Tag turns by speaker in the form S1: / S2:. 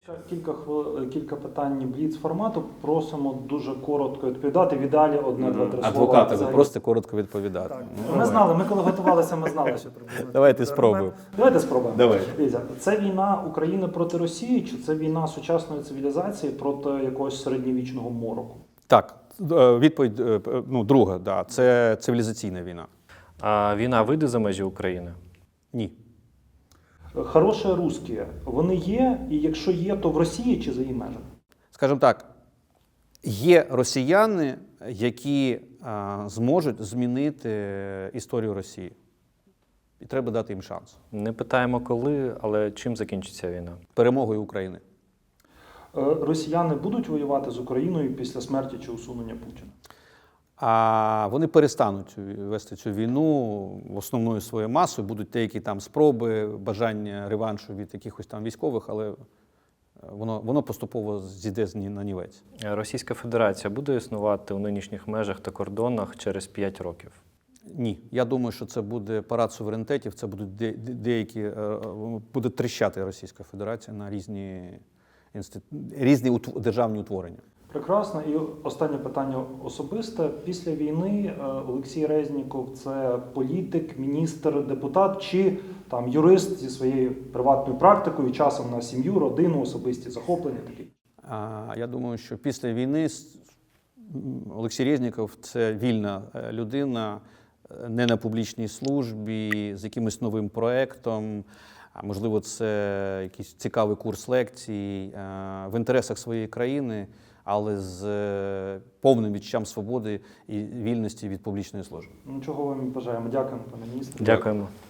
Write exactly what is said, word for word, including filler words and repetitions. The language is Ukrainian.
S1: Кілька хвил... кілька питань бліц-формату. Просимо дуже коротко відповідати. В ідеалі одне-два-три слова.
S2: Адвоката, ви
S1: Взагалі.
S2: просто коротко відповідати.
S1: Так.
S2: Ну,
S1: Ми знали, ми коли готувалися, ми знали, що приблизно.
S2: Давайте спробуємо.
S1: Давайте спробуємо.
S2: Давай.
S1: Дивіться, це війна України проти Росії, чи це війна сучасної цивілізації проти якогось середньовічного мороку?
S2: Так, е, відповідь е, ну, друга, да, це цивілізаційна війна.
S3: А війна вийде за межі України?
S2: Ні.
S1: Хороші русські, вони є, і якщо є, то в Росії чи за її межами?
S2: Скажімо так, є росіяни, які а, зможуть змінити історію Росії. І треба дати їм шанс.
S3: Не питаємо коли, але чим закінчиться війна?
S2: Перемогою України.
S1: Е, Росіяни будуть воювати з Україною після смерті чи усунення Путіна?
S2: А вони перестануть вести цю війну основною своєю масою. Будуть деякі там спроби, бажання реваншу від якихось там військових, але воно, воно поступово зійде на нівець.
S3: Російська Федерація буде існувати у нинішніх межах та кордонах через п'ять років?
S2: Ні. Я думаю, що це буде парад суверенітетів, це будуть де, деякі, буде тріщати Російська Федерація на різні, інститу... різні утв... державні утворення.
S1: Прекрасно. І останнє питання особисте. Після війни Олексій Резніков – це політик, міністр, депутат чи там юрист зі своєю приватною практикою, часом на сім'ю, родину, особисті захоплення такі?
S2: Я думаю, що після війни Олексій Резніков – це вільна людина, не на публічній службі, з якимось новим проєктом. Можливо, це якийсь цікавий курс лекцій в інтересах своєї країни, але з повним відчуттям свободи і вільності від публічної служби.
S1: Ну, чого вам бажаємо. Дякуємо, пане міністре.
S3: Дякуємо.